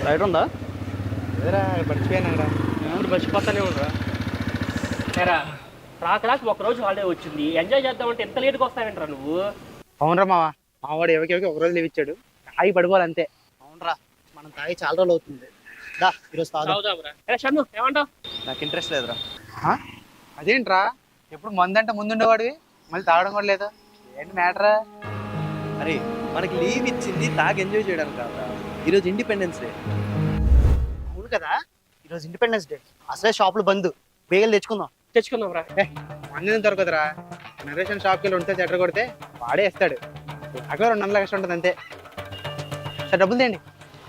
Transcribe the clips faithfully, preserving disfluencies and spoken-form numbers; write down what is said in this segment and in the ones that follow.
Light ఉందా? ఏదరా మర్చిపోయాను రా. ఇప్పుడు మర్చిపోతానే ఉండరా. సరే రా క్లాస్ ఒకరోజు హాలిడే వచ్చింది, ఎంజాయ్ చేద్దామంటే ఎంత లేట్గా వస్తావేంట్రా నువ్వు? అవునరా మావా, మావాడు ఎవరికి ఎవరికి ఒకరోజు లీవ్ ఇచ్చాడు, తాగి పడిపోవాలి అంతే. అవునరా, మనం తాగి చాలా రోజులు అవుతుంది. దా ఈరోజు తాగుదాంరా. షన్ను ఏమంటావు? నాకు ఇంట్రెస్ట్ లేదురా. అదేంట్రా, ఎప్పుడు మందంటే ముందుండేవాడివి, మళ్ళీ తాగడం కూడా లేదా? ఏంటి మ్యాటరా? అరే మనకి లీవ్ ఇచ్చింది తాగి ఎంజాయ్ చేయడానికి కాదా, ఈరోజు ఇండిపెండెన్స్ డే. అవును కదా, ఈరోజు ఇండిపెండెన్స్ డే. అసలే షాపులు బంద్, బేగలు తెచ్చుకుందాం. తెచ్చుకుందాం రా. మంది దొరకదురా, నరేషన్ షాప్కి వెళ్ళి ఉంటే చెట్ర కొడితే వాడే ఇస్తాడు. అక్కడ రెండు వందల కష్టం ఉంటుంది అంతే. సార్ డబ్బులు తేండి.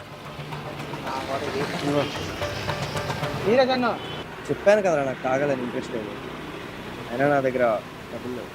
మీరే కన్నా చెప్పాను కదరా నాకు తాగాలని ఇంట్రెస్ట్ లేదు, అయినా నా దగ్గర డబ్బులు లేవు.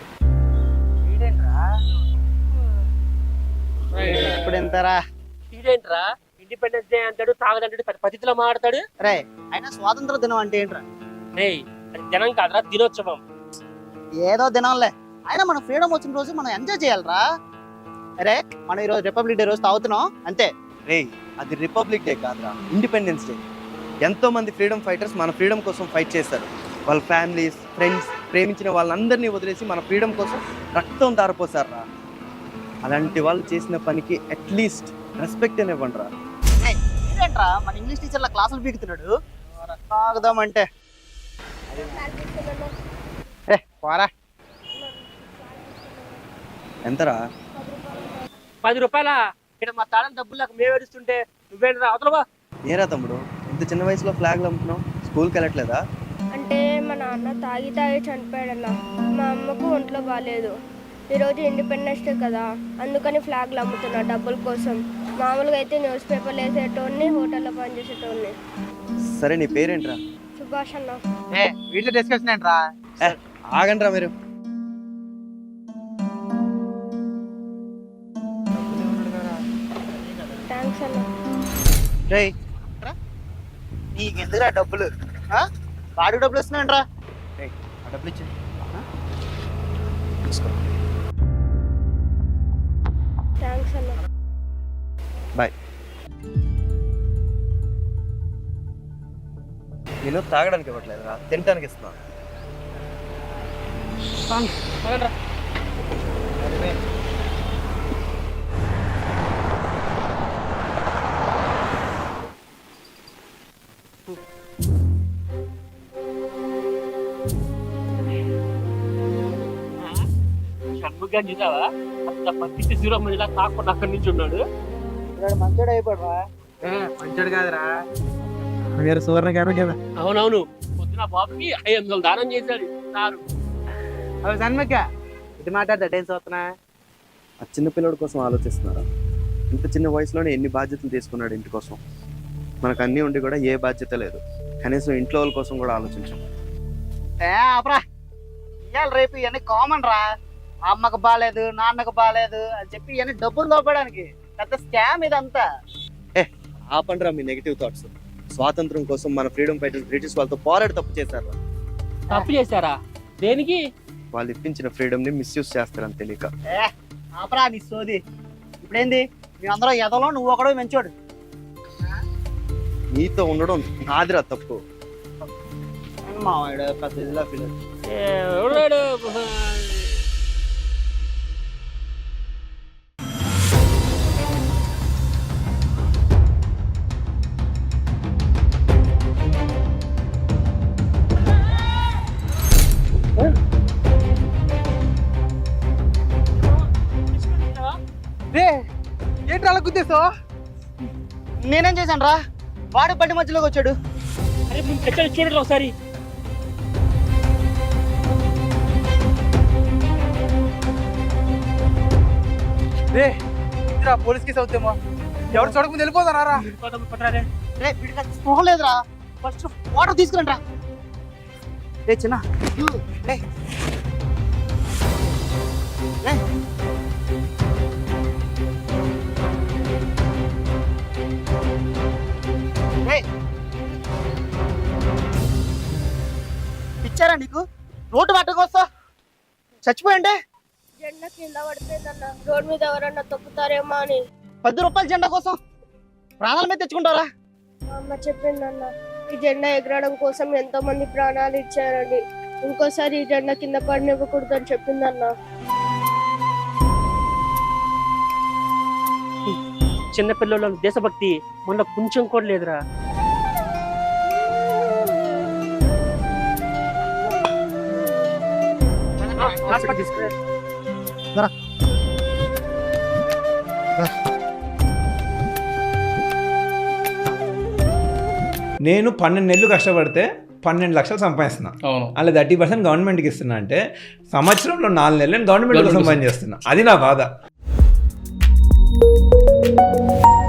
ఇప్పుడు ఎంతరా? ఇదేంట్రా ఇండిపెండెన్స్ డే అంటాడు, తాగదంటాడు, పెద్ద పద్ధతిలో మాట్లాడతాడు. రే అయినా స్వాతంత్ర దినం అంటే ఏంట్రా? రే అది దినం కాదురా, దినోత్సవం. ఏదో దినంలే, అయినా మన ఫ్రీడమ్ వచ్చిన రోజు మనం ఎంజాయ్ చేయాలరా. అరే మనం ఈరోజు రిపబ్లిక్ డే రోజు తాగుతున్నాం అంతే. రే అది రిపబ్లిక్ డే కాదురా, ఇండిపెండెన్స్ డే. ఎంతో మంది ఫ్రీడమ్ ఫైటర్స్ మన ఫ్రీడమ్ కోసం ఫైట్ చేస్తారు. వాళ్ళ ఫ్యామిలీస్, ఫ్రెండ్స్, ప్రేమించిన వాళ్ళందరినీ వదిలేసి మన ఫ్రీడమ్ కోసం రక్తం దారిపోసారా. అలాంటి వాళ్ళు చేసిన పనికి అట్లీస్ట్ రెస్పెక్ట్ అని ఇవ్వండి రా. ఇదేంట్రా మన ఇంగ్లీష్ టీచర్ల క్లాసులు పీకుతున్నాడు. తాగుదామంటే ఏ పోరా. ఎంతరా? పది రూపాయల ఇక్కడ మా తాళం డబ్బులు నాకు మేము ఏడుస్తుంటే నువ్వేంట్రా అవతలవా? ఏరా తమ్ముడు, ఇంత చిన్న వయసులో ఫ్లాగ్లు అమ్ముతున్నావు, స్కూల్కి వెళ్ళట్లేదా? అంటే మా నాన్న తాగి తాగి చనిపోయాడన్న, మా అమ్మకు ఒంట్లో బాగాలేదు. ఈరోజు ఇండిపెండెన్స్ డే కదా, అందుకని ఫ్లాగ్లు అమ్ముతున్నా డబ్బుల కోసం. మామూలుగా అయితే న్యూస్ పేపర్లు వేసేటోడిని, హోటల్లో పనిచేసేటోడిని. సరే నీ పేరేంట్రా? సుభాష్ అన్న. ఏ వీటిలో డిస్కషన్ ఏంట్రా? ఆగండ్రా మీరు. థ్యాంక్స్ అన్న. రే నీకెందుకురా డబ్బులు? వాడికి డబ్బులు ఇస్తున్నాయంట్రా. ఆ డబ్బులు ఇచ్చి థ్యాంక్స్ అన్న. బాయ్. నేను తాగడానికి ఇవ్వట్లేదురా, తినడానికి ఇస్తున్నా. షణ్ముఖ చూసావా, అంత పత్తి జీరో మధ్యలో కాకుండా అక్కడి నుంచి ఉన్నాడు. మంచోడు అయిపోడరా. మంచోడు కాదురా, మీరు సువర్ణ గారు కదా. అవునవును, పొద్దున బాబుకి ఐదు వందలు దానం చేశాడు సారు. అవి సన్మక్క ఇది మాట్లాడతా టెన్స్ అవుతున్నా. ఆ చిన్న పిల్లడి కోసం ఆలోచిస్తున్నారా? ఇంత చిన్న వయసులోనే ఎన్ని బాధ్యతలు తీసుకున్నాడు ఇంటి కోసం. మనకు అన్నీ ఉండి కూడా ఏ బాధ్యత లేదు, కనీసం ఇంట్లో వాళ్ళ కోసం కూడా ఆలోచించాం. ఏ ఆపరా, ఇవాళ రేపు ఇవన్నీ కామన్ రా. అమ్మకు బాగాలేదు, నాన్నకు బాగాలేదు అని చెప్పి ఇవన్నీ డబ్బులు దోపడానికి పెద్ద స్కామ్ ఇదంతా. ఏ ఆపండ్రా మీ నెగిటివ్ థాట్స్. స్వాతంత్రం కోసం మన ఫ్రీడమ్ ఫైటర్స్ బ్రిటిష్ వాళ్ళతో పోరాడి తప్పు చేశారా? తప్పు చేశారా? దేనికి? వాళ్ళు ఇప్పించిన ఫ్రీడమ్ ని మిస్యూజ్ చేస్తారని తెలియక. ఏ ఆపరా నీ సోది. ఇప్పుడేంది మేమందరూ ఎదలో, నువ్వు ఒకడో మంచోడు. నీతో ఉండడం నాదిరా తప్పు. మావాడు పెద్ద ఇదిలా ఫీల్. ఎవడాడు? ఏంటి అలా గుద్దేసావు? నేనేం చేశాను రా, వాడు బండి మధ్యలోకి వచ్చాడు. అరే ముందు చచ్చాడు చూడండి ఒకసారి. రే పోలీస్ కేసు అవుతామో, ఎవరు చూడకుండా వెళ్ళిపోతారా? రే వీడికి స్పృహ లేదురా, ఫస్ట్ వాటర్ తీసుకురండి రా. రే చిన్న రే. రే. రే. పిచ్చారా నీకు? రోడ్డు పట్టకొస్తా చచ్చిపోయండి. జెండా కింద పడిపోయిందన్న, రోడ్ మీద ఎవరన్నా తొక్కుతారేమో అని. పది రూపాయల జెండా కోసం ప్రాణాల మీద తెచ్చుకుంటారా? మా అమ్మ చెప్పిందన్న ఈ జెండా ఎగరడం కోసం ఎంతో మంది ప్రాణాలు ఇచ్చారని, ఇంకోసారి ఈ జెండా కింద పడినివ్వకూడదు అని చెప్పిందన్న. చిన్నపిల్లల దేశభక్తి మొన్న కొంచెం కూడా లేదురా. హాస్పిటల్ తీసుకురా. నేను పన్నెండు నెలలు కష్టపడితే పన్నెండు లక్షలు సంపాదిస్తున్నా. అవును. అలా థర్టీ పర్సెంట్ గవర్నమెంట్కి ఇస్తున్నా అంటే సంవత్సరంలో నాలుగు నెలలు నేను గవర్నమెంట్ కోసం పని చేస్తున్నా. అది నా బాధ.